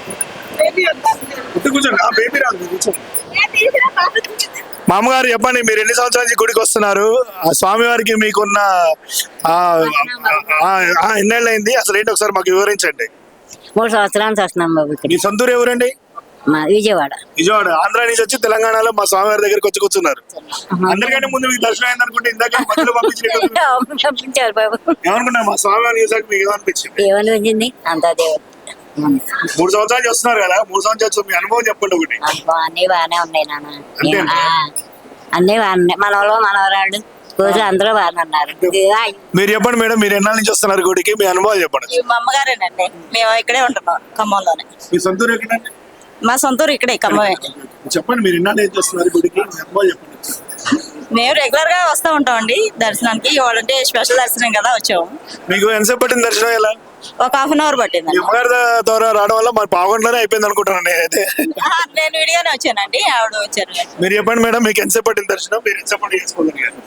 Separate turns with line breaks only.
కూర్చోండి, బేబీ రాదు, కూర్చోండి. మామగారు చెప్పండి, మీరు ఎన్ని సంవత్సరాల నుంచి గుడికి వస్తున్నారు? ఆ స్వామివారికి మీకున్న ఎన్నేళ్ళు అయింది అసలు ఏంటి ఒకసారి మాకు వివరించండి.
3 సంవత్సరాల నుంచి వస్తున్నాం బాబు ఇక్కడ.
మీ సొంతూరు ఎవరండి?
మా విజయవాడ.
విజయవాడ. ఆంధ్ర నుంచి వచ్చి తెలంగాణలో మా స్వామివారి దగ్గరికి వచ్చి కూర్చున్నారు. అందరికంటే ముందు మీకు దర్శనం అయింది అనుకుంటే ఇందాక మధ్యలో
పంపించారు బాబు.
ఏమనుకున్నా మా స్వామివారిని చూసాక మీకు ఏమనిపించింది?
ఏమనిపించింది? అంతా దేవుడు.
3 సంవత్సరాలు చూస్తున్నారు కదా, 3 సంవత్సరాలు మీ అనుభవం చెప్పండి ఒకటి.
అన్ని బాగానే ఉన్నాయి నాన్న, అన్ని బాగున్నాయి. మనవాళ్ళు మనవరాళ్ళు రోజు అందరూ బాగానే ఉన్నారు.
మీరు చెప్పండి మేడం, మీరు ఎన్నాళ్ళ నుంచి వస్తున్నారు గుడికి, మీ అనుభవాలు చెప్పండి.
మా అమ్మగారేనండి, మేము ఇక్కడే ఉంటున్నాం ఖమ్మంలోనే.
మీ సొంతూరు ఎక్కడండి?
మా సొంతూరు ఇక్కడే ఖమ్మమే.
చెప్పండి, మీరు ఎన్నాళ్ళు నుంచి వస్తున్నారు గుడికి, మీ అనుభవాలు చెప్పండి.
మేము రెగ్యులర్ గా వస్తూ ఉంటామండి దర్శనానికి. ఇవాళంటే స్పెషల్ దర్శనం కదా వచ్చాము.
మీకు ఎంతసేపు పట్టింది దర్శనం? ఎలా?
ఒక ½ అవర్ పట్టింది.
అమ్మగారి ద్వారా రావడం వల్ల మరి పావుగంటలోనే అయిపోయింది అనుకుంటున్నాను నేనైతే.
నేను విడిగానే వచ్చానండి, ఆవిడ వచ్చారు.
మీరు చెప్పండి మేడం, మీకు ఎంతసేపు పట్టింది దర్శనం, మీరు ఎంతసేపు చేసుకోగలిగారు?